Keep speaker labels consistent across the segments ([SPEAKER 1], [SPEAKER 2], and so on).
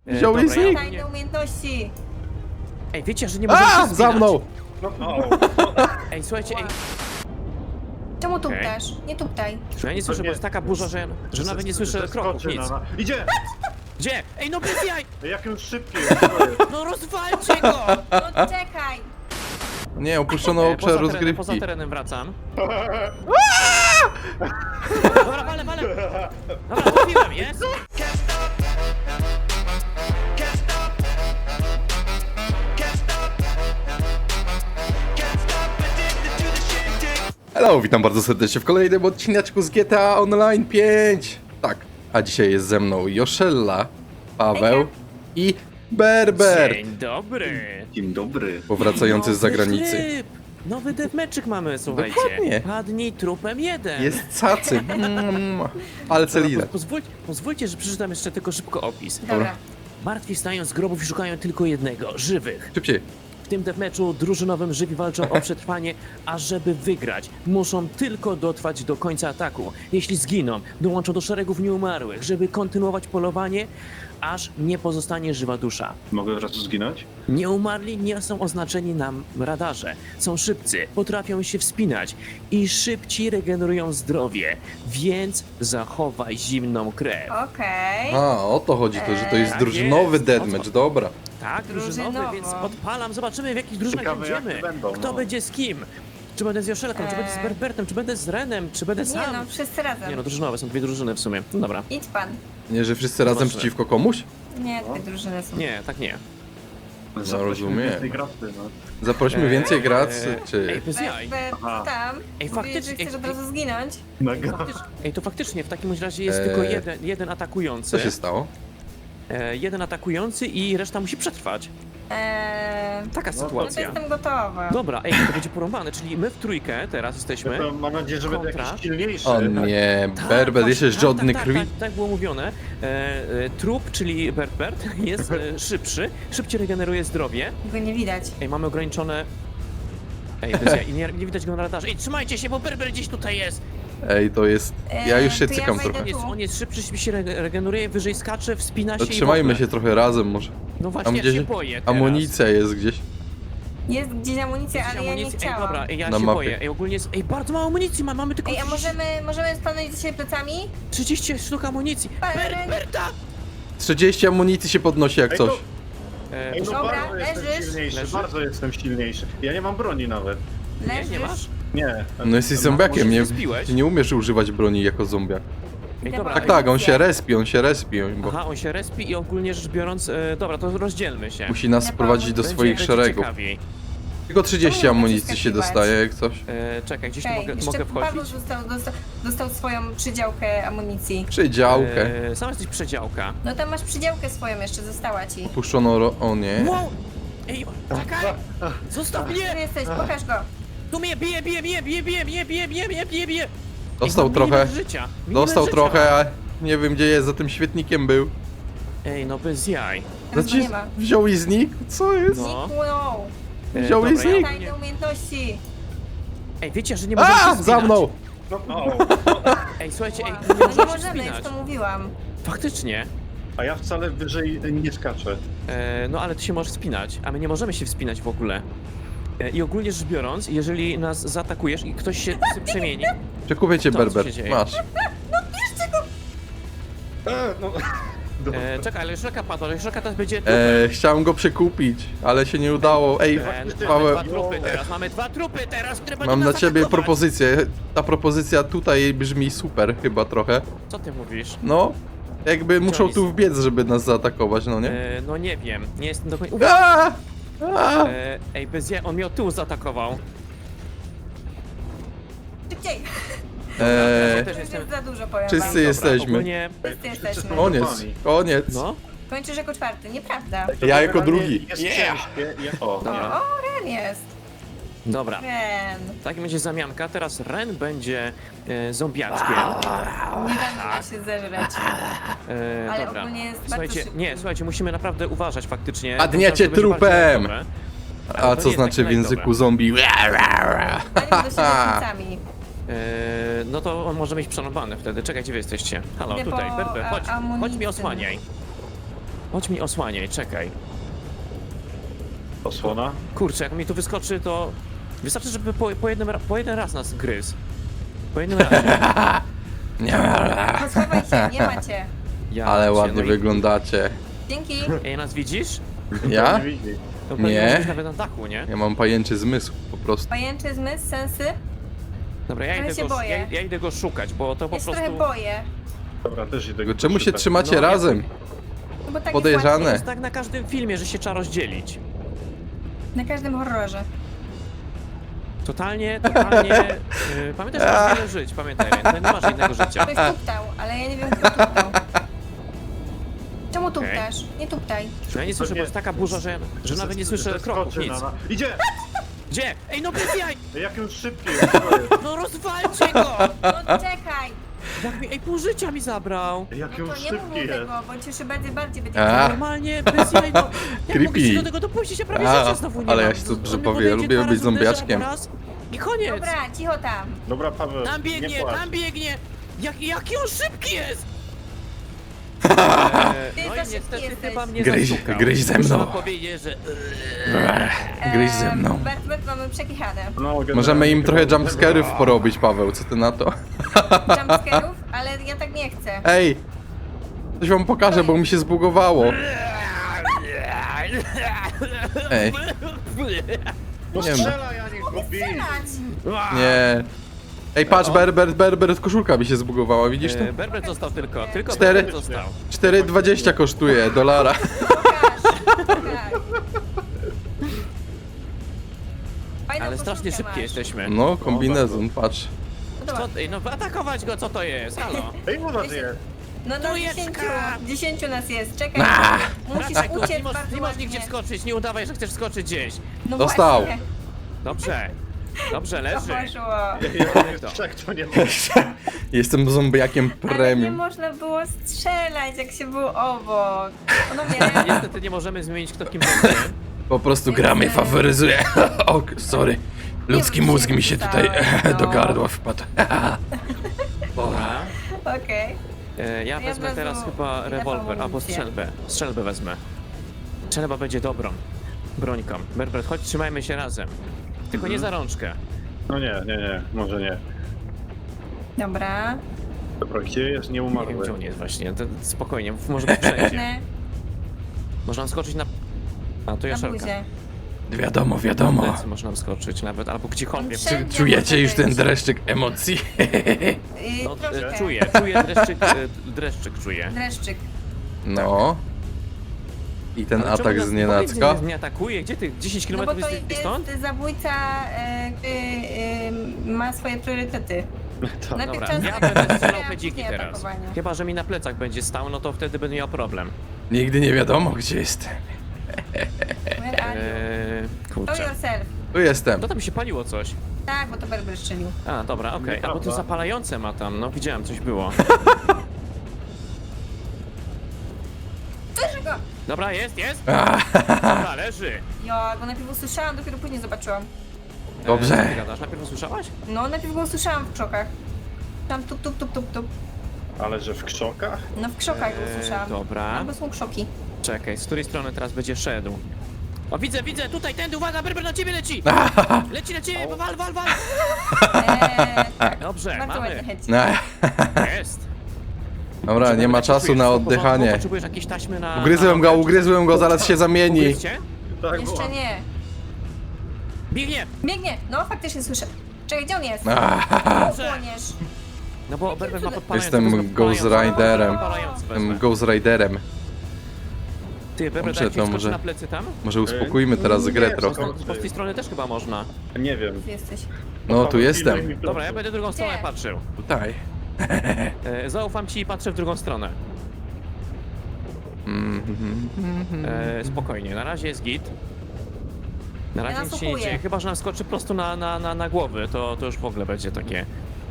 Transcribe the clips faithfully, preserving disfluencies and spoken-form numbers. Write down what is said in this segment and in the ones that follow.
[SPEAKER 1] Wziął
[SPEAKER 2] dobra,
[SPEAKER 1] i znikł.
[SPEAKER 2] ja-
[SPEAKER 3] Tajne umiejętności.
[SPEAKER 2] Ej, wiecie, że nie możemy
[SPEAKER 1] A,
[SPEAKER 2] się
[SPEAKER 1] za
[SPEAKER 2] wspinać?
[SPEAKER 1] mną!
[SPEAKER 4] No, o,
[SPEAKER 2] Ej, słuchajcie, ej,
[SPEAKER 3] Czemu tuptasz? Nie tuptaj.
[SPEAKER 2] że ja nie słyszę, bo jest taka burza, że, że nawet nie słyszę kroków,
[SPEAKER 4] Zeskoczy
[SPEAKER 2] nic.
[SPEAKER 4] na- na- Idzie!
[SPEAKER 2] Gdzie? Ej, no bez jaj!
[SPEAKER 4] Jak już szybki jest, to jest.
[SPEAKER 2] No rozwalcie go!
[SPEAKER 3] No czekaj.
[SPEAKER 1] Nie, opuszczono
[SPEAKER 2] E,
[SPEAKER 1] obszar
[SPEAKER 2] poza terenem, poza
[SPEAKER 1] rozgrywki.
[SPEAKER 2] terenem wracam. Dobra, wale, wale! Dobra, trafiłem, jest!
[SPEAKER 1] Hello, witam bardzo serdecznie w kolejnym odcineczku z G T A Online pięć. Tak, a dzisiaj jest ze mną Joszella, Paweł i Berber,
[SPEAKER 2] Dzień dobry!
[SPEAKER 4] Dzień dobry.
[SPEAKER 1] powracający z
[SPEAKER 2] Nowy
[SPEAKER 1] zagranicy.
[SPEAKER 2] tryb. Nowy deathmatchik mamy, słuchajcie.
[SPEAKER 1] Dokładnie.
[SPEAKER 2] Padnij trupem jeden.
[SPEAKER 1] Jest cacy. Mm, ale
[SPEAKER 2] Dobra,
[SPEAKER 1] celinę.
[SPEAKER 2] po- pozwól, pozwólcie, że przeczytam jeszcze tylko szybko opis.
[SPEAKER 3] Dobra.
[SPEAKER 2] Martwi stają z grobów i szukają tylko jednego, żywych.
[SPEAKER 1] Szybciej.
[SPEAKER 2] W tym deathmatchu drużynowym żywi walczą o przetrwanie, a żeby wygrać, muszą tylko dotrwać do końca ataku. Jeśli zginą, dołączą do szeregów nieumarłych, żeby kontynuować polowanie, aż nie pozostanie żywa dusza.
[SPEAKER 4] Mogę od razu zginąć?
[SPEAKER 2] Nieumarli nie są oznaczeni na radarze. Są szybcy, potrafią się wspinać i szybciej regenerują zdrowie, więc zachowaj zimną krew.
[SPEAKER 3] Okej.
[SPEAKER 1] A, o to chodzi, to, że to jest
[SPEAKER 2] Tak
[SPEAKER 1] drużynowy
[SPEAKER 2] jest.
[SPEAKER 1] deathmatch, dobra.
[SPEAKER 2] Tak, drużynowy,
[SPEAKER 3] Drużynowo.
[SPEAKER 2] więc odpalam, zobaczymy w jakich drużynach
[SPEAKER 4] Ciekawe, jak
[SPEAKER 2] będziemy.
[SPEAKER 4] będą,
[SPEAKER 2] Kto
[SPEAKER 4] no.
[SPEAKER 2] będzie z kim? Czy będę z Joszelką, czy będę z
[SPEAKER 3] Eee.
[SPEAKER 2] Berbertem, czy będę z Renem, czy będę
[SPEAKER 3] Nie
[SPEAKER 2] sam?
[SPEAKER 3] no, wszyscy razem.
[SPEAKER 2] Nie no, drużynowe, są dwie drużyny w sumie. No dobra.
[SPEAKER 3] Idź pan.
[SPEAKER 1] Nie, że wszyscy razem
[SPEAKER 2] Zobaczmy.
[SPEAKER 1] przeciwko komuś?
[SPEAKER 3] Nie, dwie drużyny są.
[SPEAKER 2] Nie, tak nie.
[SPEAKER 4] Zaprosimy
[SPEAKER 1] rozumiem.
[SPEAKER 4] więcej graczy, no.
[SPEAKER 1] Zaprośmy więcej graczy,
[SPEAKER 2] Eee, Ej,
[SPEAKER 1] czy...
[SPEAKER 2] bez jaj.
[SPEAKER 3] Be,
[SPEAKER 4] Aha.
[SPEAKER 3] tam.
[SPEAKER 2] Ej,
[SPEAKER 3] Mówiłeś,
[SPEAKER 2] faktycznie-
[SPEAKER 3] że chcesz
[SPEAKER 2] ej,
[SPEAKER 3] od razu zginąć.
[SPEAKER 4] Mega.
[SPEAKER 2] Faktycznie, ej, to faktycznie w takim razie jest
[SPEAKER 1] Eee.
[SPEAKER 2] tylko jeden, jeden atakujący.
[SPEAKER 1] Co się stało?
[SPEAKER 2] E, jeden atakujący i reszta musi przetrwać.
[SPEAKER 3] Eee,
[SPEAKER 2] Taka
[SPEAKER 4] No,
[SPEAKER 3] no to
[SPEAKER 2] sytuacja.
[SPEAKER 3] jestem gotowa.
[SPEAKER 2] Dobra, ej, to będzie porąbane, czyli my w trójkę teraz jesteśmy.
[SPEAKER 4] To mam nadzieję, że będę
[SPEAKER 2] Kontra.
[SPEAKER 4] jakiś silniejszy.
[SPEAKER 1] O nie,
[SPEAKER 2] Tak,
[SPEAKER 1] Berber,
[SPEAKER 2] właśnie,
[SPEAKER 1] jeszcze
[SPEAKER 2] tak,
[SPEAKER 1] żadny
[SPEAKER 2] tak,
[SPEAKER 1] krwi?
[SPEAKER 2] Tak, tak, tak było mówione. E, e, trup, czyli Berbert, jest e, szybszy, szybciej regeneruje zdrowie.
[SPEAKER 3] Go nie widać.
[SPEAKER 2] Ej, mamy ograniczone... Ej, bez ja, nie, nie widać go na radarze. Ej, trzymajcie się, bo Berber gdzieś tutaj jest.
[SPEAKER 1] Ej, to jest... Ja już się
[SPEAKER 3] Eee, to ja
[SPEAKER 1] cykam
[SPEAKER 3] wejdę
[SPEAKER 1] trochę.
[SPEAKER 2] On jest,
[SPEAKER 3] Tu.
[SPEAKER 2] on jest szybszy, szybciej się rege- regeneruje, wyżej skacze, wspina się
[SPEAKER 1] To
[SPEAKER 2] i w
[SPEAKER 1] trzymajmy
[SPEAKER 2] ogóle.
[SPEAKER 1] się trochę razem może.
[SPEAKER 2] No właśnie,
[SPEAKER 1] Tam
[SPEAKER 2] ja
[SPEAKER 1] gdzieś
[SPEAKER 2] się boję teraz.
[SPEAKER 1] amunicja jest gdzieś.
[SPEAKER 3] Jest gdzieś amunicja,
[SPEAKER 2] Gdzieś
[SPEAKER 3] ale ja nie
[SPEAKER 2] amunicji- Ej,
[SPEAKER 3] chciałam.
[SPEAKER 2] dobra, ej, ja
[SPEAKER 1] Na
[SPEAKER 2] się
[SPEAKER 1] mapie.
[SPEAKER 2] boję. Ej, ogólnie jest... Ej, bardzo mało amunicji ma, mamy tylko
[SPEAKER 3] Ej, a możemy, możemy stanąć do siebie plecami?
[SPEAKER 2] trzydzieści sztuk amunicji.
[SPEAKER 3] Berber.
[SPEAKER 2] Berberta!
[SPEAKER 1] trzydzieści amunicji się podnosi jak
[SPEAKER 4] Ej,
[SPEAKER 1] coś.
[SPEAKER 4] to-
[SPEAKER 2] E,
[SPEAKER 4] Ej, no
[SPEAKER 3] Dobra,
[SPEAKER 4] bardzo jestem
[SPEAKER 3] leżysz?
[SPEAKER 4] silniejszy,
[SPEAKER 2] Leżysz?
[SPEAKER 4] bardzo jestem silniejszy. Ja nie mam broni nawet.
[SPEAKER 2] nie,
[SPEAKER 3] Leżysz?
[SPEAKER 2] nie masz?
[SPEAKER 4] Nie.
[SPEAKER 1] No jesteś
[SPEAKER 4] Mam-
[SPEAKER 1] zombiakiem,
[SPEAKER 2] może
[SPEAKER 1] nie,
[SPEAKER 2] się zbiłeś?
[SPEAKER 1] ty nie umiesz używać broni jako zombiak.
[SPEAKER 2] Ej, dobra.
[SPEAKER 1] Tak, tak, on się respi, on się respi, on- bo
[SPEAKER 2] Aha, on się respi i ogólnie rzecz biorąc, e, dobra, to rozdzielmy się.
[SPEAKER 1] musi nas
[SPEAKER 3] Nie
[SPEAKER 1] sprowadzić do
[SPEAKER 2] Będzie-
[SPEAKER 1] swoich
[SPEAKER 2] będzie
[SPEAKER 1] szeregów.
[SPEAKER 2] ciekawiej.
[SPEAKER 1] Tylko trzydzieści
[SPEAKER 3] Czemu nie
[SPEAKER 1] amunicji się
[SPEAKER 3] naciskakiwać?
[SPEAKER 1] dostaje jak coś.
[SPEAKER 2] E, czekaj, gdzieś tu
[SPEAKER 3] Ej,
[SPEAKER 2] mogę,
[SPEAKER 3] jeszcze
[SPEAKER 2] mogę
[SPEAKER 3] Paweł
[SPEAKER 2] wchodzić?
[SPEAKER 3] dostał, dostał, dostał swoją przydziałkę amunicji.
[SPEAKER 1] Przydziałkę.
[SPEAKER 2] E, sam jesteś przedziałka.
[SPEAKER 3] No tam masz przydziałkę swoją jeszcze, została ci.
[SPEAKER 1] Puszczono ro... O nie.
[SPEAKER 2] Wow! Ej, czekaj! Zostaw
[SPEAKER 3] Tu
[SPEAKER 2] mnie!
[SPEAKER 3] jesteś, pokaż go.
[SPEAKER 2] Tu mnie bije, bije, bije, bije, bije, bije, bije, bije, bije, bije, bije!
[SPEAKER 1] Dostał
[SPEAKER 2] Ej, mam
[SPEAKER 1] trochę.
[SPEAKER 2] milimetr życia. Milimetr
[SPEAKER 1] Dostał
[SPEAKER 2] życia
[SPEAKER 1] trochę,
[SPEAKER 2] mam.
[SPEAKER 1] a nie wiem gdzie jest, za tym świetnikiem był.
[SPEAKER 2] Ej, no bez jaj.
[SPEAKER 3] Teraz go
[SPEAKER 1] Znaczy,
[SPEAKER 3] nie ma.
[SPEAKER 1] wziął i znikł? Co jest?
[SPEAKER 2] No.
[SPEAKER 3] Zniknął.
[SPEAKER 2] E,
[SPEAKER 1] Wziął i
[SPEAKER 2] dobra, ja
[SPEAKER 1] znikł.
[SPEAKER 2] ogólnie-
[SPEAKER 3] Tajne umiejętności.
[SPEAKER 2] Ej, wiecie, że nie możemy się
[SPEAKER 1] A,
[SPEAKER 2] wspinać?
[SPEAKER 1] za mną!
[SPEAKER 4] No, o,
[SPEAKER 2] Ej, słuchajcie, ej,
[SPEAKER 3] Wow.
[SPEAKER 2] nie
[SPEAKER 3] No nie
[SPEAKER 2] możemy się
[SPEAKER 3] możemy, już
[SPEAKER 2] wspinać.
[SPEAKER 3] to mówiłam.
[SPEAKER 2] Faktycznie.
[SPEAKER 4] a ja wcale wyżej nie skaczę.
[SPEAKER 2] E, no ale ty się możesz wspinać, a my nie możemy się wspinać w ogóle. E, I ogólnie rzecz biorąc, jeżeli nas zaatakujesz i ktoś się przemieni...
[SPEAKER 1] Przekupię cię,
[SPEAKER 2] Co, co
[SPEAKER 1] Berber.
[SPEAKER 2] się dzieje?
[SPEAKER 1] Masz.
[SPEAKER 4] E, no. Dobra.
[SPEAKER 2] E, czekaj, ale Szreka padła, Szreka teraz będzie...
[SPEAKER 1] E, chciałem go przekupić, ale się nie udało. Ej,
[SPEAKER 2] E, mamy
[SPEAKER 1] Paweł,
[SPEAKER 2] dwa trupy teraz, mamy dwa trupy teraz, które będą
[SPEAKER 1] mam
[SPEAKER 2] nas
[SPEAKER 1] dla ciebie
[SPEAKER 2] atakować.
[SPEAKER 1] propozycję. Ta propozycja tutaj brzmi super chyba trochę.
[SPEAKER 2] Co ty mówisz?
[SPEAKER 1] No, jakby muszą
[SPEAKER 2] oni
[SPEAKER 1] tu
[SPEAKER 2] s-
[SPEAKER 1] wbiec, żeby nas zaatakować, no nie?
[SPEAKER 2] E, no nie wiem, nie jestem do końca... Uwaga!
[SPEAKER 1] A! A!
[SPEAKER 2] E, ej, bez ja, on mnie od tyłu zaatakował.
[SPEAKER 3] Szybciej.
[SPEAKER 1] Eee,
[SPEAKER 2] też
[SPEAKER 3] To już
[SPEAKER 2] jestem...
[SPEAKER 3] jest za dużo, powiem
[SPEAKER 1] Wszyscy
[SPEAKER 3] wam.
[SPEAKER 2] Dobra,
[SPEAKER 1] jesteśmy.
[SPEAKER 2] ogólnie...
[SPEAKER 3] Wszyscy jesteśmy.
[SPEAKER 1] Koniec, koniec.
[SPEAKER 2] No,
[SPEAKER 3] Kończysz jako czwarty, nieprawda.
[SPEAKER 1] Ja jako
[SPEAKER 4] Generalnie
[SPEAKER 1] drugi.
[SPEAKER 4] Jest
[SPEAKER 1] Yeah.
[SPEAKER 4] ciężkie. Jest, o,
[SPEAKER 2] Dobra.
[SPEAKER 3] O, Ren jest.
[SPEAKER 2] dobra.
[SPEAKER 3] Ren.
[SPEAKER 2] Tak będzie zamianka, teraz Ren będzie e, zombiaczkiem.
[SPEAKER 3] Nie da się zeżreć.
[SPEAKER 2] E,
[SPEAKER 3] Ale
[SPEAKER 2] dobra.
[SPEAKER 3] ogólnie jest bardzo
[SPEAKER 2] Słuchajcie,
[SPEAKER 3] szybki.
[SPEAKER 2] nie, słuchajcie, musimy naprawdę uważać faktycznie.
[SPEAKER 1] Padniecie
[SPEAKER 2] To będzie bardziej
[SPEAKER 1] trupem!
[SPEAKER 2] dobre. Ale
[SPEAKER 1] A
[SPEAKER 2] to
[SPEAKER 1] co
[SPEAKER 2] nie jest
[SPEAKER 1] znaczy
[SPEAKER 2] takie
[SPEAKER 1] w języku
[SPEAKER 2] najdobre.
[SPEAKER 1] zombie?
[SPEAKER 3] Palił do siebie plecami.
[SPEAKER 2] E, no to on może mieć przerąbane wtedy. Czekajcie, wy jesteście. Halo,
[SPEAKER 3] Idę
[SPEAKER 2] tutaj,
[SPEAKER 3] po,
[SPEAKER 2] Berber,
[SPEAKER 3] a,
[SPEAKER 2] chodź, chodź
[SPEAKER 3] amunicję.
[SPEAKER 2] mi osłaniaj. Chodź mi osłaniaj, czekaj.
[SPEAKER 4] Osłona?
[SPEAKER 2] Kurczę, jak mi tu wyskoczy, to... Wystarczy, żeby po, po, jednym, ra- po jeden raz nas gryzł. Po jednym razie.
[SPEAKER 1] Nie,
[SPEAKER 3] Poschowaj się, nie macie.
[SPEAKER 2] Ja
[SPEAKER 1] ale
[SPEAKER 2] cię,
[SPEAKER 1] ładnie
[SPEAKER 2] no i-
[SPEAKER 1] wyglądacie.
[SPEAKER 3] Dzięki.
[SPEAKER 2] Ej, nas widzisz?
[SPEAKER 1] Ja?
[SPEAKER 4] Nie widzi.
[SPEAKER 2] To
[SPEAKER 1] Nie.
[SPEAKER 2] powinno być nawet na dachu, nie?
[SPEAKER 1] Ja mam pajęczy zmysł po prostu.
[SPEAKER 3] Pajęczy zmysł, sensy?
[SPEAKER 2] Dobra, ja
[SPEAKER 3] Trochę
[SPEAKER 2] idę,
[SPEAKER 3] się
[SPEAKER 2] go,
[SPEAKER 3] boję.
[SPEAKER 2] ja, ja idę go szukać, bo to po
[SPEAKER 3] Ja się
[SPEAKER 2] prostu...
[SPEAKER 3] trochę boję.
[SPEAKER 4] Dobra, też idę.
[SPEAKER 1] Tylko czemu się
[SPEAKER 4] szukać.
[SPEAKER 1] trzymacie
[SPEAKER 2] No,
[SPEAKER 1] razem?
[SPEAKER 3] No bo tak
[SPEAKER 1] Podejrzane.
[SPEAKER 3] jest
[SPEAKER 2] To jest tak na każdym filmie, że się trzeba rozdzielić.
[SPEAKER 3] łatwiej. Na każdym horrorze.
[SPEAKER 2] Totalnie, totalnie... Yy, pamiętaj, że masz wiele żyć, pamiętaj, to nie masz innego życia.
[SPEAKER 3] Ktoś tuptał, ale ja nie wiem, kto tuptał. Czemu
[SPEAKER 2] Okej.
[SPEAKER 3] tuptasz? Nie tuptaj.
[SPEAKER 2] Że ja nie słyszę, bo jest taka burza, że, że nawet nie słyszę
[SPEAKER 4] Zeskoczy
[SPEAKER 2] kroków, nic.
[SPEAKER 4] na- na- Idzie!
[SPEAKER 2] Gdzie? Ej, no bez jaj!
[SPEAKER 4] Jak już szybki jest, to jest.
[SPEAKER 2] No rozwalcie go!
[SPEAKER 3] No czekaj!
[SPEAKER 2] Jak mi, ej, pół życia mi zabrał!
[SPEAKER 4] Jak
[SPEAKER 3] No
[SPEAKER 4] już
[SPEAKER 3] to nie mów
[SPEAKER 4] szybki
[SPEAKER 3] mu
[SPEAKER 4] jest.
[SPEAKER 3] tego, bo ci już bardziej, bardziej będzie...
[SPEAKER 1] A.
[SPEAKER 2] Normalnie, bez jaj, no. Jak
[SPEAKER 1] Creepy.
[SPEAKER 2] mogę się do tego dopuścić? Ja prawie
[SPEAKER 1] A,
[SPEAKER 2] życia znowu nie
[SPEAKER 1] ale
[SPEAKER 2] mam.
[SPEAKER 1] ja się tu
[SPEAKER 2] On mnie
[SPEAKER 1] brzybowię,
[SPEAKER 2] podejdzie,
[SPEAKER 1] lubię
[SPEAKER 2] dwa
[SPEAKER 1] być
[SPEAKER 2] razy uderzy
[SPEAKER 1] zombiaczkiem.
[SPEAKER 2] raz I koniec!
[SPEAKER 3] Dobra, cicho tam.
[SPEAKER 4] Dobra, Paweł,
[SPEAKER 2] Tam
[SPEAKER 4] nie
[SPEAKER 2] biegnie,
[SPEAKER 4] płacz.
[SPEAKER 2] tam biegnie! Jak, jaki on szybki jest! Eee,
[SPEAKER 3] Ty
[SPEAKER 2] no
[SPEAKER 3] za
[SPEAKER 2] i
[SPEAKER 3] szybki
[SPEAKER 2] niestety
[SPEAKER 3] jesteś.
[SPEAKER 2] chyba mnie
[SPEAKER 1] Gryź-
[SPEAKER 2] zaszukał.
[SPEAKER 1] gryź ze
[SPEAKER 2] Muszę
[SPEAKER 1] mną.
[SPEAKER 2] wam powiedzieć, że...
[SPEAKER 1] Gryź ze mną.
[SPEAKER 3] Bert, Bert, mamy przekichane.
[SPEAKER 4] No, generalnie
[SPEAKER 1] Możemy im
[SPEAKER 4] chyba-
[SPEAKER 1] trochę jumpscarów porobić, Paweł, co ty na to?
[SPEAKER 3] Jumpscare'ów, ale ja tak nie chcę.
[SPEAKER 1] Ej! Coś wam pokażę, bo mi się zbugowało. Ej,
[SPEAKER 4] No
[SPEAKER 1] Nie wiem.
[SPEAKER 4] strzelaj, ja niech go bij.
[SPEAKER 3] Strzelać!
[SPEAKER 1] nie. Ej, patrz, Berbert, Berbert, koszulka mi się zbugowała, widzisz to?
[SPEAKER 2] Eee, Berbert został tylko, tylko
[SPEAKER 1] Cztery.
[SPEAKER 2] Berbert został.
[SPEAKER 1] cztery dwadzieścia kosztuje dolara.
[SPEAKER 3] Pokaż, pokaż. Fajną
[SPEAKER 2] Ale strasznie
[SPEAKER 3] koszulkę
[SPEAKER 2] szybkie
[SPEAKER 3] masz.
[SPEAKER 2] jesteśmy.
[SPEAKER 1] No, kombinezon, patrz.
[SPEAKER 3] No dobra.
[SPEAKER 2] Co, ej, no atakować go, co to jest? Halo?
[SPEAKER 4] Ej, u nas jest.
[SPEAKER 3] No no
[SPEAKER 2] Trójeczka!
[SPEAKER 3] dziesięciu, dziesięciu nas jest, czekaj. Musisz
[SPEAKER 2] Wracaj tu,
[SPEAKER 3] uciec
[SPEAKER 2] nie, możesz,
[SPEAKER 3] bardzo
[SPEAKER 2] nie możesz nigdzie
[SPEAKER 3] ładnie.
[SPEAKER 2] wskoczyć, nie udawaj, że chcesz wskoczyć gdzieś.
[SPEAKER 3] No
[SPEAKER 1] Dostał.
[SPEAKER 3] właśnie.
[SPEAKER 2] Dobrze, dobrze,
[SPEAKER 3] To
[SPEAKER 2] leży.
[SPEAKER 3] poszło.
[SPEAKER 4] Jak jest trzech, to nie ma.
[SPEAKER 1] Jestem zombiakiem
[SPEAKER 3] Ale nie
[SPEAKER 1] premium.
[SPEAKER 3] można było strzelać, jak się było obok. No nie,
[SPEAKER 2] Niestety nie możemy zmienić, kto kim będzie.
[SPEAKER 1] Po prostu gra mnie faworyzuje. O, sorry. Ludzki
[SPEAKER 3] Nie wiem,
[SPEAKER 1] mózg
[SPEAKER 3] czy
[SPEAKER 1] mi się tutaj
[SPEAKER 3] pisałem,
[SPEAKER 1] do
[SPEAKER 3] no.
[SPEAKER 1] gardła wpadł.
[SPEAKER 2] Dobra.
[SPEAKER 3] okej.
[SPEAKER 2] E, ja
[SPEAKER 3] Ja
[SPEAKER 2] wezmę
[SPEAKER 3] wezmę
[SPEAKER 2] teraz chyba
[SPEAKER 3] idę po
[SPEAKER 2] rewolwer, albo
[SPEAKER 3] amunicję.
[SPEAKER 2] strzelbę. Strzelbę wezmę. Strzelba będzie dobrą brońką. Berbert, chodź, trzymajmy się razem. Tylko nie za rączkę.
[SPEAKER 4] No nie, nie, nie, może nie.
[SPEAKER 3] Dobra.
[SPEAKER 4] Dobra, gdzie jest
[SPEAKER 2] Nie wiem, gdzie
[SPEAKER 4] nieumarły?
[SPEAKER 2] on jest właśnie. To, spokojnie, może być wszędzie.
[SPEAKER 3] Ne,
[SPEAKER 2] Można skoczyć na... A, to
[SPEAKER 3] na
[SPEAKER 2] Joszelka.
[SPEAKER 3] buzie.
[SPEAKER 1] Wiadomo, wiadomo.
[SPEAKER 2] Plecy można wskoczyć nawet, albo gdziekolwiek.
[SPEAKER 3] Wszędzie
[SPEAKER 1] Czy czujecie
[SPEAKER 3] może
[SPEAKER 1] już ten
[SPEAKER 3] być.
[SPEAKER 1] dreszczyk emocji?
[SPEAKER 3] Yy,
[SPEAKER 2] No,
[SPEAKER 3] troszkę.
[SPEAKER 2] e, czuję, czuję dreszczyk, e, dreszczyk czuję.
[SPEAKER 3] Dreszczyk.
[SPEAKER 1] No. I ten
[SPEAKER 2] Ale czemu
[SPEAKER 1] atak
[SPEAKER 2] nas-
[SPEAKER 1] z
[SPEAKER 2] powiedz,
[SPEAKER 1] nienacka.
[SPEAKER 2] że Nie atakuje, gdzie ty? dziesięć
[SPEAKER 3] No bo
[SPEAKER 2] kilometrów
[SPEAKER 3] to
[SPEAKER 2] jesteś stąd?
[SPEAKER 3] jest zabójca, e, który e, ma swoje priorytety.
[SPEAKER 4] To.
[SPEAKER 3] Najpierw
[SPEAKER 2] Dobra,
[SPEAKER 3] czas
[SPEAKER 2] ja
[SPEAKER 3] atakowania,
[SPEAKER 2] będę strzelał
[SPEAKER 3] a
[SPEAKER 2] pedziki
[SPEAKER 3] później
[SPEAKER 2] teraz.
[SPEAKER 3] atakowanie.
[SPEAKER 2] Chyba, że mi na plecach będzie stał, no to wtedy będę miał problem.
[SPEAKER 1] Nigdy nie wiadomo, gdzie jestem.
[SPEAKER 3] Where are you?
[SPEAKER 2] Eee,
[SPEAKER 3] Show
[SPEAKER 2] kurczę.
[SPEAKER 3] yourself.
[SPEAKER 1] Tu jestem.
[SPEAKER 2] No tam się paliło coś.
[SPEAKER 3] Tak, bo to Berber strzelił.
[SPEAKER 2] A, dobra, okej. A bo to
[SPEAKER 4] Nieprawda.
[SPEAKER 2] zapalające ma tam, no widziałem, coś było.
[SPEAKER 3] Słyszę go!
[SPEAKER 2] Dobra, jest, jest! Dobra, leży.
[SPEAKER 3] Ja go najpierw usłyszałam, dopiero później zobaczyłam.
[SPEAKER 1] Dobrze.
[SPEAKER 2] Eee, co ty gadasz? Najpierw usłyszałaś?
[SPEAKER 3] No, najpierw go usłyszałam w krzokach. Tam tup, tup, tup, tup, tup.
[SPEAKER 4] Ale że w krzokach?
[SPEAKER 3] No w krzokach go
[SPEAKER 2] Eee,
[SPEAKER 3] usłyszałam.
[SPEAKER 2] dobra.
[SPEAKER 3] Albo są krzoki.
[SPEAKER 2] Czekaj, z której strony teraz będzie szedł? O, widzę, widzę, tutaj, tędy, uwaga, Berber na ciebie leci! Leci na ciebie, wal, wal, wal!
[SPEAKER 3] Eee, tak,
[SPEAKER 2] Dobrze,
[SPEAKER 3] bardzo ładnie
[SPEAKER 2] mamy.
[SPEAKER 3] chęci.
[SPEAKER 1] Ech,
[SPEAKER 2] Jest.
[SPEAKER 1] Dobra, nie ma czasu na oddychanie.
[SPEAKER 2] Potrzebujesz jakieś taśmy na...
[SPEAKER 1] Ugryzłem
[SPEAKER 2] na
[SPEAKER 1] go,
[SPEAKER 2] nogę?
[SPEAKER 1] ugryzłem go, zaraz się zamieni.
[SPEAKER 2] Ugryzcie?
[SPEAKER 4] Tak,
[SPEAKER 3] Jeszcze
[SPEAKER 4] była.
[SPEAKER 3] nie.
[SPEAKER 2] Biegnie!
[SPEAKER 3] Biegnie! No, faktycznie słyszę. Czekaj, gdzie on jest?
[SPEAKER 1] Ah,
[SPEAKER 3] Płoniesz.
[SPEAKER 2] No bo Berber ma podpalający.
[SPEAKER 1] Jestem
[SPEAKER 2] to jest
[SPEAKER 1] Ghost
[SPEAKER 2] podpalający.
[SPEAKER 1] Riderem.
[SPEAKER 2] Podpalający wezmę.
[SPEAKER 1] Jestem Ghost Riderem.
[SPEAKER 2] Ty, Berber,
[SPEAKER 1] Dobrze,
[SPEAKER 2] jak
[SPEAKER 1] to
[SPEAKER 2] to może...
[SPEAKER 1] może-
[SPEAKER 2] na plecy tam?
[SPEAKER 1] Może uspokójmy teraz
[SPEAKER 4] Nie,
[SPEAKER 1] grę
[SPEAKER 4] nie,
[SPEAKER 1] trochę.
[SPEAKER 4] spoko.
[SPEAKER 2] Bo z tej strony też chyba można.
[SPEAKER 4] Nie wiem.
[SPEAKER 3] Gdzie jesteś?
[SPEAKER 1] No, tu
[SPEAKER 4] Pilnuj
[SPEAKER 1] jestem.
[SPEAKER 4] mi
[SPEAKER 2] Dobra, ja
[SPEAKER 4] plecy.
[SPEAKER 2] będę drugą stronę
[SPEAKER 3] Gdzie?
[SPEAKER 2] patrzył.
[SPEAKER 1] Tutaj.
[SPEAKER 2] E, zaufam ci i patrzę w drugą stronę.
[SPEAKER 1] Mhm.
[SPEAKER 2] E, spokojnie, na razie jest git. Na razie
[SPEAKER 3] Ja
[SPEAKER 2] nic się nie
[SPEAKER 3] nasłuchuję.
[SPEAKER 2] dzieje, chyba że nam skoczy prosto na, na, na, na głowy, to, to już w ogóle będzie takie...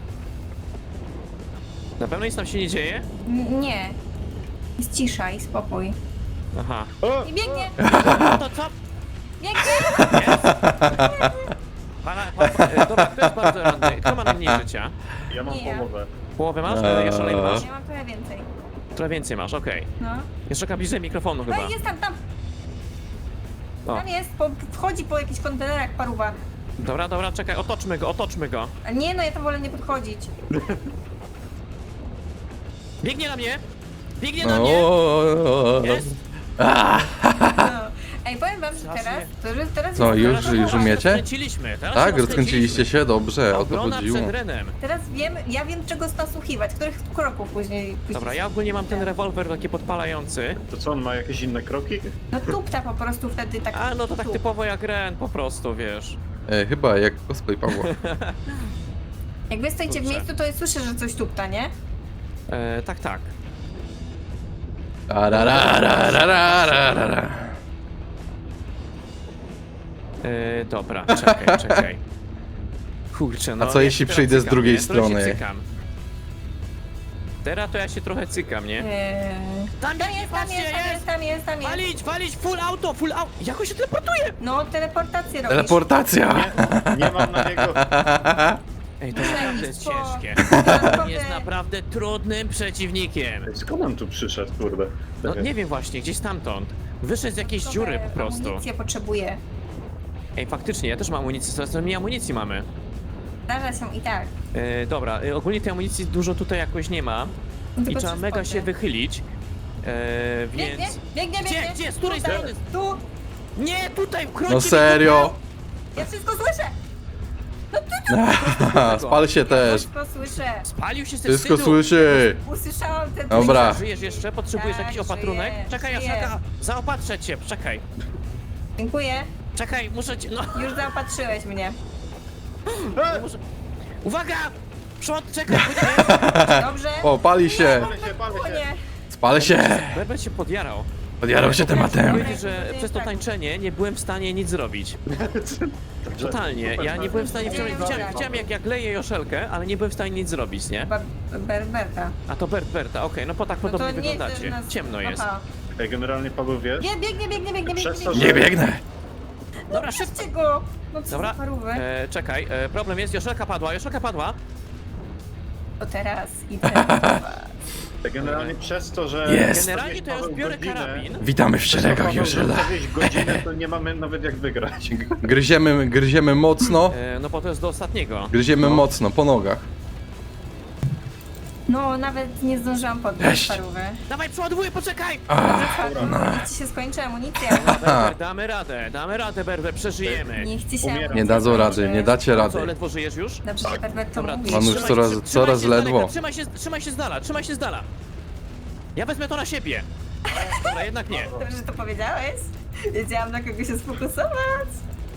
[SPEAKER 2] Na pewno nic nam się nie dzieje?
[SPEAKER 3] N- nie. Jest cisza i spokój.
[SPEAKER 2] Aha.
[SPEAKER 4] O!
[SPEAKER 3] I biegnie!
[SPEAKER 2] No to co?
[SPEAKER 3] Biegnie!
[SPEAKER 2] Pana, pan, e, dobra, kto jest bardzo ranny? Kto ma najmniej życia?
[SPEAKER 4] Ja mam
[SPEAKER 3] Nie ja.
[SPEAKER 4] połowę.
[SPEAKER 2] Połowę masz?
[SPEAKER 1] Eee.
[SPEAKER 2] Eee. Jeszcze masz?
[SPEAKER 3] Ja mam trochę więcej.
[SPEAKER 2] Trochę więcej masz, okej.
[SPEAKER 3] No.
[SPEAKER 2] Jeszcze bliżej mikrofonu chyba.
[SPEAKER 3] No jest tam, tam,
[SPEAKER 2] O,
[SPEAKER 3] tam jest, po, wchodzi po jakichś kontenerach paruwa.
[SPEAKER 2] dobra, dobra, czekaj, otoczmy go, otoczmy go.
[SPEAKER 3] A nie, no ja tam wolę nie podchodzić.
[SPEAKER 2] Biegnie na mnie! Biegnie na mnie!
[SPEAKER 1] O,
[SPEAKER 2] Jest!
[SPEAKER 3] No. Ej, powiem wam, że
[SPEAKER 2] Strasznie.
[SPEAKER 3] teraz, to, że teraz
[SPEAKER 1] Co,
[SPEAKER 3] jest-
[SPEAKER 1] już, już umiecie?
[SPEAKER 2] Rozkręciliśmy, teraz
[SPEAKER 1] Tak,
[SPEAKER 2] się
[SPEAKER 1] rozkręciliście się? Dobrze, o to
[SPEAKER 2] Obrona
[SPEAKER 1] chodziło.
[SPEAKER 2] przed Renem.
[SPEAKER 3] Teraz wiem, ja wiem czego nasłuchiwać, których kroków później. później
[SPEAKER 2] Dobra, ja ogólnie mam ten rewolwer taki podpalający.
[SPEAKER 4] To co, on ma jakieś inne kroki?
[SPEAKER 3] No tupta po prostu wtedy tak.
[SPEAKER 2] A no to tak
[SPEAKER 3] tup.
[SPEAKER 2] typowo jak Ren, po prostu, wiesz.
[SPEAKER 1] E, chyba jak cosplay Pawła.
[SPEAKER 3] Jak wy stoicie w
[SPEAKER 2] Kurczę.
[SPEAKER 3] miejscu, to ja słyszę, że coś tupta, nie?
[SPEAKER 2] E, tak, tak.
[SPEAKER 1] Tararararararara.
[SPEAKER 2] E, dobra, czekaj, czekaj. Kurczę, no.
[SPEAKER 1] A co
[SPEAKER 2] ja
[SPEAKER 1] jeśli
[SPEAKER 2] się
[SPEAKER 1] przyjdę
[SPEAKER 2] teraz
[SPEAKER 1] z drugiej
[SPEAKER 2] cykam, nie? Trochę
[SPEAKER 1] strony?
[SPEAKER 2] się cykam. Teraz to ja się trochę cykam, nie?
[SPEAKER 3] Eee...
[SPEAKER 2] Tam
[SPEAKER 3] Tam jest, tam
[SPEAKER 2] patrzcie,
[SPEAKER 3] jest, tam jest, tam jest, tam jest.
[SPEAKER 2] Walić, walić, full auto, full auto! Jak on się teleportuje?
[SPEAKER 3] No, teleportację robisz.
[SPEAKER 1] Teleportacja!
[SPEAKER 4] Nie, nie mam na niego.
[SPEAKER 2] Ej, to naprawdę jest
[SPEAKER 3] po-
[SPEAKER 2] ciężkie. On jest naprawdę trudnym przeciwnikiem.
[SPEAKER 4] Skąd on tu przyszedł, kurde?
[SPEAKER 2] No nie wiem właśnie, gdzieś stamtąd. Wyszedł z jakiejś dziury po prostu.
[SPEAKER 3] Amunicję potrzebuję.
[SPEAKER 2] Ej, faktycznie, ja też mam amunicję, coraz mniej amunicji mamy.
[SPEAKER 3] Zdarza się i tak.
[SPEAKER 2] E, dobra, e, ogólnie tej amunicji dużo tutaj jakoś nie ma. I
[SPEAKER 3] Tylko
[SPEAKER 2] trzeba
[SPEAKER 3] trzy
[SPEAKER 2] mega
[SPEAKER 3] spoty.
[SPEAKER 2] się wychylić. E,
[SPEAKER 3] Biegnie,
[SPEAKER 2] więc...
[SPEAKER 3] biegnie,
[SPEAKER 2] Gdzie,
[SPEAKER 3] biegnie.
[SPEAKER 2] gdzie, z której
[SPEAKER 3] Tutaj,
[SPEAKER 2] strony?
[SPEAKER 3] Tu,
[SPEAKER 2] Nie, tutaj, wkroczy
[SPEAKER 1] No serio?
[SPEAKER 3] ja wszystko słyszę.
[SPEAKER 1] Spal się też.
[SPEAKER 3] Wszystko słyszę.
[SPEAKER 2] Spalił się ze
[SPEAKER 1] Wszystko
[SPEAKER 2] wstydu.
[SPEAKER 1] słyszy.
[SPEAKER 3] Usłyszałam ten
[SPEAKER 1] Dobra.
[SPEAKER 2] Żyjesz jeszcze? Potrzebujesz
[SPEAKER 3] Tak,
[SPEAKER 2] jakiś opatrunek?
[SPEAKER 3] żyję,
[SPEAKER 2] Czekaj,
[SPEAKER 3] żyję.
[SPEAKER 2] Jaszaka, zaopatrzę cię, czekaj.
[SPEAKER 3] Dziękuję.
[SPEAKER 2] Czekaj, muszę cię, no,
[SPEAKER 3] Już zaopatrzyłeś mnie.
[SPEAKER 2] nie muszę... Uwaga! Przód, czekaj, pójdę.
[SPEAKER 3] Dobrze?
[SPEAKER 1] O, pali się.
[SPEAKER 4] Palę się, palę
[SPEAKER 3] O
[SPEAKER 4] się.
[SPEAKER 3] nie.
[SPEAKER 1] Spal się.
[SPEAKER 2] Berber się podjarał.
[SPEAKER 1] Podjarał się tematem.
[SPEAKER 2] Powiedzieć, że przez to tańczenie nie byłem w stanie nic zrobić. Totalnie, ja nie byłem w stanie... Widziałem, widziałem, widziałem jak, jak leję Joszelkę, ale nie byłem w stanie nic zrobić, nie?
[SPEAKER 3] Chyba Berberta.
[SPEAKER 2] A to Bert, Berta, okej, no bo tak
[SPEAKER 3] No to
[SPEAKER 2] podobnie
[SPEAKER 3] nie,
[SPEAKER 2] wyglądacie.
[SPEAKER 3] nas-
[SPEAKER 2] Ciemno jest.
[SPEAKER 3] Aha.
[SPEAKER 4] Ej, generalnie Paweł, wiesz?
[SPEAKER 3] Nie, biegnie, biegnie, biegnie, biegnie.
[SPEAKER 4] Przez to,
[SPEAKER 3] biegnie.
[SPEAKER 1] Nie biegnę.
[SPEAKER 2] Dobra, szybko.
[SPEAKER 3] Puśćcie go. No co
[SPEAKER 2] Dobra,
[SPEAKER 3] za parówy.
[SPEAKER 2] e, czekaj, e, problem jest, Joszelka padła, Joszelka padła.
[SPEAKER 3] To teraz idę. do was.
[SPEAKER 4] Ej, generalnie przez to, że...
[SPEAKER 1] Jest.
[SPEAKER 2] Generalnie to ja już
[SPEAKER 4] Paweł
[SPEAKER 2] biorę
[SPEAKER 4] godzinę-
[SPEAKER 2] karabin.
[SPEAKER 1] Witamy w
[SPEAKER 4] Przez to,
[SPEAKER 1] szeregach
[SPEAKER 4] Paweł, że
[SPEAKER 1] Joszela.
[SPEAKER 4] zostawiłeś godzinę, to nie mamy nawet jak wygrać.
[SPEAKER 1] Gryziemy, gryziemy mocno.
[SPEAKER 2] E, no bo to jest do ostatniego.
[SPEAKER 1] Gryziemy
[SPEAKER 4] No.
[SPEAKER 1] mocno, po nogach.
[SPEAKER 3] No, nawet nie zdążyłam podnieść
[SPEAKER 1] Cześć.
[SPEAKER 3] parówy.
[SPEAKER 2] Dawaj, przeładowuję, poczekaj!
[SPEAKER 3] Niech ci się skończy amunicja.
[SPEAKER 2] Berber, damy radę, damy radę, Berber, przeżyjemy.
[SPEAKER 3] Niech ci się
[SPEAKER 4] Umieram.
[SPEAKER 3] amunicja
[SPEAKER 1] Nie dadzą rady,
[SPEAKER 3] skończy.
[SPEAKER 1] nie dacie
[SPEAKER 2] No co,
[SPEAKER 1] rady.
[SPEAKER 2] ledwo żyjesz już?
[SPEAKER 3] Dobrze, że Berbert to
[SPEAKER 2] Dobra,
[SPEAKER 3] mówi.
[SPEAKER 1] On już
[SPEAKER 2] trzymaj
[SPEAKER 1] coraz-
[SPEAKER 2] się-
[SPEAKER 1] coraz
[SPEAKER 2] trzymaj się z
[SPEAKER 1] ledwo.
[SPEAKER 2] daleka, Trzymaj się, trzymaj się z dala, trzymaj się z dala. Ja wezmę to na siebie. Dobra, jednak nie.
[SPEAKER 3] Dobrze, że to powiedziałeś. Wiedziałam, na kogo się sfokusować.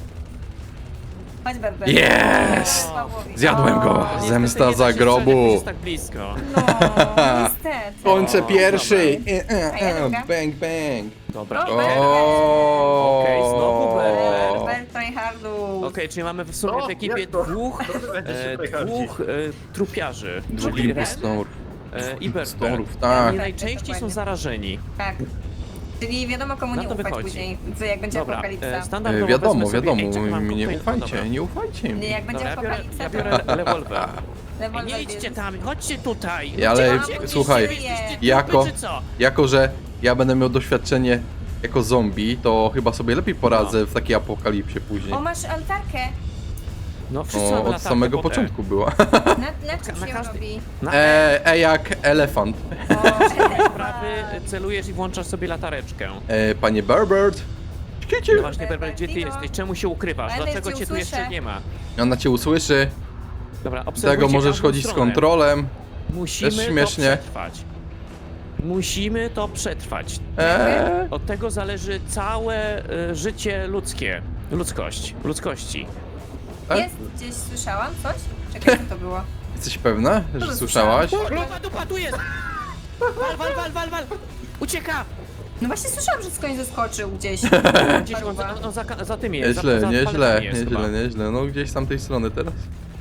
[SPEAKER 3] Chodź, Berbert.
[SPEAKER 1] Jest!
[SPEAKER 3] Pawłowi.
[SPEAKER 1] Zjadłem go.
[SPEAKER 2] No, niestety
[SPEAKER 1] Zemsta
[SPEAKER 2] nie da
[SPEAKER 1] za
[SPEAKER 2] się strzelić, jak
[SPEAKER 1] grobu.
[SPEAKER 2] jest tak blisko.
[SPEAKER 3] No, niestety.
[SPEAKER 1] Kończę
[SPEAKER 2] O,
[SPEAKER 1] pierwszy.
[SPEAKER 2] dobra.
[SPEAKER 1] E, e,
[SPEAKER 3] A ja
[SPEAKER 1] e,
[SPEAKER 3] druga?
[SPEAKER 1] Bang, bang.
[SPEAKER 2] Dobra,
[SPEAKER 3] No,
[SPEAKER 2] okej.
[SPEAKER 3] Berbert.
[SPEAKER 1] O.
[SPEAKER 2] Okej, znowu Berbert.
[SPEAKER 3] Berbert tryhardu.
[SPEAKER 2] Okej, czyli mamy w sumie
[SPEAKER 4] O,
[SPEAKER 2] w ekipie
[SPEAKER 4] jak to?
[SPEAKER 2] dwóch,
[SPEAKER 4] Będzie się
[SPEAKER 2] e,
[SPEAKER 4] tutaj hardzi.
[SPEAKER 2] dwóch e, trupiarzy.
[SPEAKER 1] Dwóch
[SPEAKER 2] Czyli Ren
[SPEAKER 1] impostorów.
[SPEAKER 2] e, i Berber.
[SPEAKER 1] Impostorów, tak.
[SPEAKER 2] I najczęściej są zarażeni.
[SPEAKER 3] Tak. Czyli wiadomo komu
[SPEAKER 2] Na
[SPEAKER 3] nie
[SPEAKER 2] to
[SPEAKER 3] ufać
[SPEAKER 2] wychodzi.
[SPEAKER 3] później, co jak będzie
[SPEAKER 2] Dobra,
[SPEAKER 3] apokalipsa.
[SPEAKER 2] e,
[SPEAKER 1] E,
[SPEAKER 2] standardowo
[SPEAKER 1] Wiadomo,
[SPEAKER 2] wezmę sobie-
[SPEAKER 1] wiadomo,
[SPEAKER 2] Ej, czekaj, mam
[SPEAKER 1] mi nie
[SPEAKER 2] koktajl, dobra.
[SPEAKER 1] ufajcie, nie ufajcie
[SPEAKER 3] Nie,
[SPEAKER 1] mi.
[SPEAKER 3] jak będzie
[SPEAKER 2] Dobra, ja biorę,
[SPEAKER 3] apokalipsa,
[SPEAKER 2] ja
[SPEAKER 3] to
[SPEAKER 2] biorę rewolwer. Ej,
[SPEAKER 3] rewolwer
[SPEAKER 2] nie idźcie
[SPEAKER 3] bierz.
[SPEAKER 2] tam, chodźcie tutaj.
[SPEAKER 1] Ja, ale
[SPEAKER 2] Uciekajcie, gdzieś
[SPEAKER 1] słuchaj,
[SPEAKER 2] wy jesteście trupy,
[SPEAKER 1] jako-
[SPEAKER 2] czy co?
[SPEAKER 1] Jako, że ja będę miał doświadczenie jako zombie, to chyba sobie lepiej poradzę w takiej apokalipsie później.
[SPEAKER 3] O, masz altarkę.
[SPEAKER 2] No wszyscy
[SPEAKER 1] O,
[SPEAKER 2] mamy
[SPEAKER 1] od
[SPEAKER 2] latarkę
[SPEAKER 1] samego
[SPEAKER 2] potem.
[SPEAKER 1] początku była.
[SPEAKER 3] Na, na czym
[SPEAKER 2] Na
[SPEAKER 3] się
[SPEAKER 2] każdy-
[SPEAKER 3] robi?
[SPEAKER 2] Na
[SPEAKER 1] E, e jak elefant.
[SPEAKER 3] O,
[SPEAKER 2] prawy celujesz i włączasz sobie latareczkę.
[SPEAKER 1] E, panie Berbert. Kicie.
[SPEAKER 2] No właśnie, Berber, gdzie ty
[SPEAKER 3] Berbertino.
[SPEAKER 2] jesteś? Czemu się ukrywasz?
[SPEAKER 3] Ale
[SPEAKER 2] Dlaczego
[SPEAKER 3] cię
[SPEAKER 2] cię tu jeszcze
[SPEAKER 3] usłyszę.
[SPEAKER 2] nie ma?
[SPEAKER 1] Ona cię usłyszy.
[SPEAKER 2] Dobra,
[SPEAKER 1] Z
[SPEAKER 2] obserwujcie
[SPEAKER 1] tego możesz
[SPEAKER 2] każdą
[SPEAKER 1] chodzić z
[SPEAKER 2] stronę.
[SPEAKER 1] kontrolem.
[SPEAKER 2] Musimy
[SPEAKER 1] Też śmiesznie.
[SPEAKER 2] to przetrwać. Musimy to przetrwać.
[SPEAKER 1] E,
[SPEAKER 2] Od tego zależy całe y, życie ludzkie. Ludzkość. Ludzkości.
[SPEAKER 1] tak?
[SPEAKER 3] jest gdzieś, słyszałam coś? Czekaj, co to było?
[SPEAKER 1] Jesteś pewna, że
[SPEAKER 3] to
[SPEAKER 1] słyszałaś?
[SPEAKER 2] Lupa, dupa, tu jest! Wal, wal, wal, wal, wal! Ucieka!
[SPEAKER 3] No właśnie słyszałam, że skądś zeskoczył gdzieś.
[SPEAKER 2] Gdzieś on,
[SPEAKER 3] Paruwa.
[SPEAKER 2] on, on za, za tym jest.
[SPEAKER 1] Nieźle,
[SPEAKER 2] za, za
[SPEAKER 1] nieźle,
[SPEAKER 2] paletami jest chyba.
[SPEAKER 1] nieźle, nieźle. No gdzieś z tamtej strony teraz.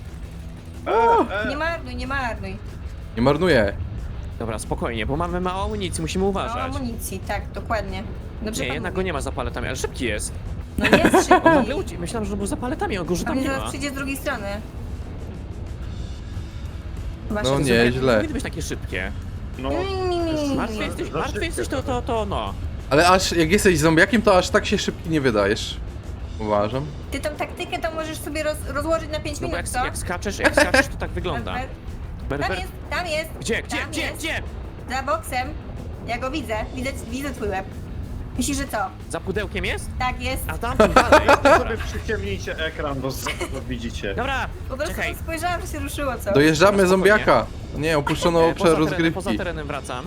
[SPEAKER 3] Nie marnuj, nie marnuj.
[SPEAKER 1] Nie marnuję.
[SPEAKER 2] Dobra, spokojnie, bo mamy mało amunicji, musimy
[SPEAKER 3] Mało
[SPEAKER 2] uważać.
[SPEAKER 3] amunicji, tak, dokładnie. Dobrze
[SPEAKER 2] Nie,
[SPEAKER 3] pan
[SPEAKER 2] jednak go
[SPEAKER 3] mówi.
[SPEAKER 2] nie ma za paletami, ale szybki jest.
[SPEAKER 3] No jest
[SPEAKER 2] On w ogóle
[SPEAKER 3] szybki.
[SPEAKER 2] ucie... Myślałem, że był za paletami, on go że
[SPEAKER 3] On
[SPEAKER 2] tam nie
[SPEAKER 3] zaraz
[SPEAKER 2] ma.
[SPEAKER 3] przyjdzie z drugiej strony. Chyba
[SPEAKER 1] No
[SPEAKER 3] szybko.
[SPEAKER 1] nie, źle.
[SPEAKER 2] Powinny być takie szybkie.
[SPEAKER 4] No,
[SPEAKER 2] Martwy jesteś, martwy jesteś, to, to, to, no.
[SPEAKER 1] Ale aż jak jesteś zombiakiem, to aż tak się szybki nie wydajesz. Uważam.
[SPEAKER 3] Ty tą taktykę to możesz sobie roz, rozłożyć na pięć
[SPEAKER 2] No bo
[SPEAKER 3] minut,
[SPEAKER 2] jak,
[SPEAKER 3] co?
[SPEAKER 2] jak skaczesz, jak skaczesz, to tak wygląda.
[SPEAKER 3] Tam
[SPEAKER 2] Berber,
[SPEAKER 3] jest, tam jest.
[SPEAKER 2] gdzie, gdzie,
[SPEAKER 3] tam
[SPEAKER 2] gdzie,
[SPEAKER 3] jest.
[SPEAKER 2] gdzie?
[SPEAKER 3] Za boksem. Ja go widzę. Widzę, widzę twój łeb. Myślisz, że co?
[SPEAKER 2] Za pudełkiem jest?
[SPEAKER 3] Tak jest.
[SPEAKER 2] A tam dalej.
[SPEAKER 4] sobie
[SPEAKER 2] Dobra,
[SPEAKER 4] przyciemnijcie ekran, bo z- bo widzicie.
[SPEAKER 2] dobra.
[SPEAKER 3] Po prostu
[SPEAKER 2] Czekaj.
[SPEAKER 3] spojrzałam, że się ruszyło, co?
[SPEAKER 1] Dojeżdżamy
[SPEAKER 2] Spokojnie.
[SPEAKER 1] zombiaka. Nie, opuszczono
[SPEAKER 2] E,
[SPEAKER 1] obszar
[SPEAKER 2] poza terenem, poza
[SPEAKER 1] rozgrywki.
[SPEAKER 2] terenem wracam.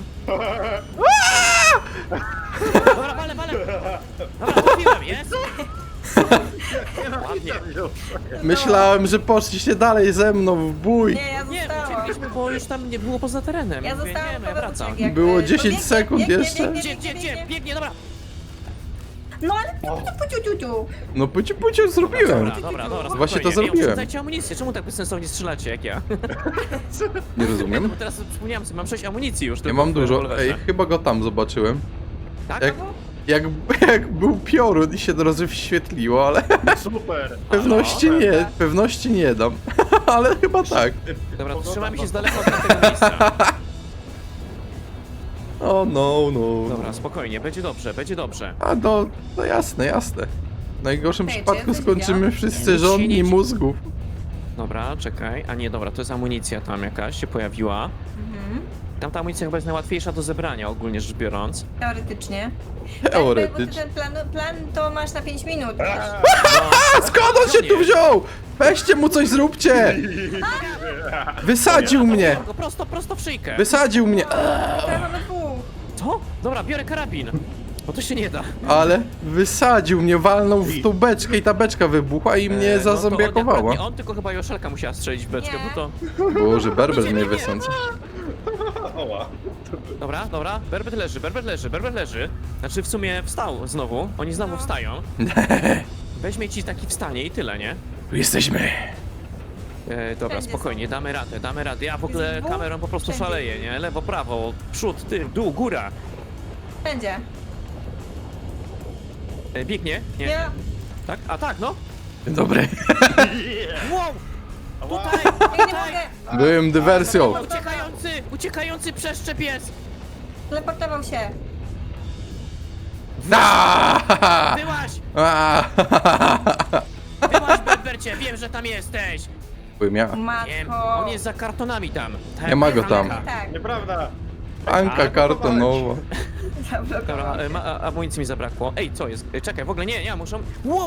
[SPEAKER 2] Dobra, wale, wale. Dobra, trafiłem, jest? Ładnie.
[SPEAKER 1] Myślałem, że poszliście dalej ze mną w bój.
[SPEAKER 3] Nie, ja
[SPEAKER 2] Nie,
[SPEAKER 3] zostałam.
[SPEAKER 2] uciekliśmy, bo już tam nie było poza terenem.
[SPEAKER 3] Ja
[SPEAKER 2] Mówię,
[SPEAKER 3] zostałam
[SPEAKER 2] nie, no ja
[SPEAKER 3] Paweł
[SPEAKER 2] wracam.
[SPEAKER 3] uciekł, jak,
[SPEAKER 1] Było
[SPEAKER 3] e,
[SPEAKER 1] dziesięć
[SPEAKER 3] biegnie,
[SPEAKER 1] sekund
[SPEAKER 3] biegnie,
[SPEAKER 1] jeszcze.
[SPEAKER 3] biegnie,
[SPEAKER 2] Gdzie,
[SPEAKER 3] biegnie,
[SPEAKER 2] gdzie, gdzie?
[SPEAKER 3] biegnie.
[SPEAKER 2] Biegnie, dobra.
[SPEAKER 3] No ale puciu, puciu, puciu, puciu.
[SPEAKER 1] No puciu puciu zrobiłem.
[SPEAKER 2] Dobra, dobra, dobra.
[SPEAKER 1] Właśnie to
[SPEAKER 2] spokojnie.
[SPEAKER 1] zrobiłem.
[SPEAKER 2] Nie oszczędzajcie amunicję, czemu tak bezsensownie strzelacie jak ja?
[SPEAKER 1] Nie rozumiem.
[SPEAKER 2] Bo teraz przypomniałem sobie, mam sześć amunicji już.
[SPEAKER 1] Ja
[SPEAKER 2] tylko
[SPEAKER 1] mam
[SPEAKER 2] w
[SPEAKER 1] dużo.
[SPEAKER 2] rewolwerze.
[SPEAKER 1] Ej, chyba go tam zobaczyłem.
[SPEAKER 2] Tak?
[SPEAKER 1] Jak, jak, jak był piorun i się rozświetliło, ale
[SPEAKER 4] Super!
[SPEAKER 1] pewności
[SPEAKER 2] no,
[SPEAKER 1] nie,
[SPEAKER 3] dobra.
[SPEAKER 1] pewności nie dam. Ale chyba tak.
[SPEAKER 2] Dobra, to trzymajmy się z daleka od tamtego miejsca.
[SPEAKER 1] O no, no.
[SPEAKER 2] Dobra, spokojnie, będzie dobrze, będzie dobrze.
[SPEAKER 1] A no, no jasne, jasne. W najgorszym
[SPEAKER 3] Hej,
[SPEAKER 1] przypadku
[SPEAKER 3] czy coś
[SPEAKER 1] skończymy
[SPEAKER 3] widziałam?
[SPEAKER 1] wszyscy
[SPEAKER 2] Nic się
[SPEAKER 1] żonni
[SPEAKER 2] nie dzieje.
[SPEAKER 1] mózgów.
[SPEAKER 2] Dobra, czekaj. A nie, dobra, to jest amunicja tam jakaś się pojawiła.
[SPEAKER 3] Mhm.
[SPEAKER 2] Tam ta amunicja chyba jest najłatwiejsza do zebrania, ogólnie rzecz biorąc.
[SPEAKER 3] Teoretycznie. Bo ty
[SPEAKER 1] Teoretycznie.
[SPEAKER 3] ten plan, plan to masz na pięć minut. wiesz?
[SPEAKER 1] A skąd on się tu wziął? Weźcie mu coś zróbcie! Wysadził mnie!
[SPEAKER 2] Go prosto, prosto w szyjkę.
[SPEAKER 1] Wysadził mnie!
[SPEAKER 3] Teraz mamy dwóch.
[SPEAKER 2] Co? Dobra, biorę karabin. Bo to się nie da.
[SPEAKER 1] Ale wysadził mnie, walnął w tą beczkę i ta beczka wybuchła i mnie
[SPEAKER 2] E, no to
[SPEAKER 1] zazombiakowała.
[SPEAKER 2] akurat nie on, tylko chyba Joszelka musiała strzelić w beczkę,
[SPEAKER 3] Nie.
[SPEAKER 2] bo to...
[SPEAKER 1] Boże, Berber mnie wysądza.
[SPEAKER 4] Oła.
[SPEAKER 2] Dobra, dobra, Berbet leży, Berbet leży, Berbet leży. Znaczy w sumie wstał znowu, oni znowu
[SPEAKER 3] No.
[SPEAKER 2] wstają. Weźmie ci taki wstanie i tyle, nie?
[SPEAKER 1] Tu jesteśmy.
[SPEAKER 2] E, dobra,
[SPEAKER 3] Wszędzie
[SPEAKER 2] spokojnie,
[SPEAKER 3] są.
[SPEAKER 2] damy radę, damy radę. Ja w ogóle
[SPEAKER 3] Jest dwóch,
[SPEAKER 2] kamerą po prostu
[SPEAKER 3] wszędzie.
[SPEAKER 2] szaleję, nie? Lewo, prawo, przód, tył, dół, góra.
[SPEAKER 3] Będzie.
[SPEAKER 2] E, biegnie? Nie.
[SPEAKER 3] Ja.
[SPEAKER 2] Tak? A tak, no.
[SPEAKER 1] Dzień dobry.
[SPEAKER 2] Wow!
[SPEAKER 4] Ała.
[SPEAKER 2] Tutaj,
[SPEAKER 3] Ja nie
[SPEAKER 2] tutaj!
[SPEAKER 3] mogę.
[SPEAKER 1] Byłem dywersją.
[SPEAKER 2] Uciekający, uciekający przeszczep jest!
[SPEAKER 3] Teleportował się.
[SPEAKER 1] Aaaa!
[SPEAKER 2] Byłaś!
[SPEAKER 1] Aaaa!
[SPEAKER 2] Byłaś, Berbercie, wiem, że tam jesteś!
[SPEAKER 1] Byłem ja.
[SPEAKER 2] Wiem,
[SPEAKER 3] Matko.
[SPEAKER 2] on jest za kartonami tam. Tak,
[SPEAKER 1] Nie ma go tam.
[SPEAKER 2] Anka.
[SPEAKER 3] Tak.
[SPEAKER 4] Nieprawda!
[SPEAKER 1] Anka kartonowa.
[SPEAKER 2] Dobra, e, ma, a, amunicji mi zabrakło. Ej, co jest? E, czekaj, w ogóle nie, ja muszę... Wow!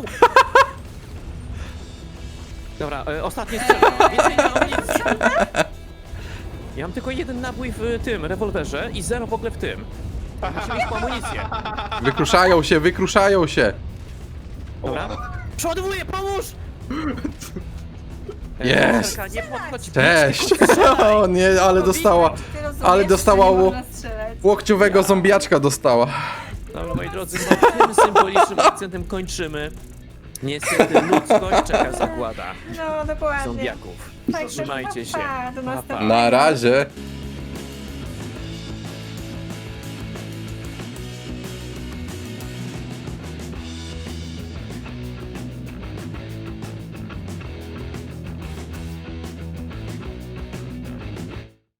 [SPEAKER 2] Dobra, e, ostatnie strzelanie. Więcej nie mam amunicji. Ja mam tylko jeden nabój w e, tym rewolwerze i zero w ogóle w tym. Musimy iść po amunicję.
[SPEAKER 1] Wykruszają się, wykruszają się.
[SPEAKER 2] Dobra. Przeładowuję, pomóż! E,
[SPEAKER 1] Jest.
[SPEAKER 2] Joszelka, nie podchodź.
[SPEAKER 1] Cześć.
[SPEAKER 2] blisko, strzelaj.
[SPEAKER 1] O nie, ale dostała.
[SPEAKER 3] Ty rozumiesz,
[SPEAKER 1] Ale dostała
[SPEAKER 3] że nie
[SPEAKER 1] ło-
[SPEAKER 3] można strzelać.
[SPEAKER 1] Łokciowego zombiaczka dostała.
[SPEAKER 2] Dobra, moi drodzy, no, tym symbolicznym akcentem kończymy. Niestety ludzkość czeka zagłada
[SPEAKER 3] No, dokładnie.
[SPEAKER 2] zombiaków.
[SPEAKER 3] Tak,
[SPEAKER 2] Trzymajcie się.
[SPEAKER 3] pa, pa, do
[SPEAKER 2] Pa, pa.
[SPEAKER 3] następnego.
[SPEAKER 1] Na razie.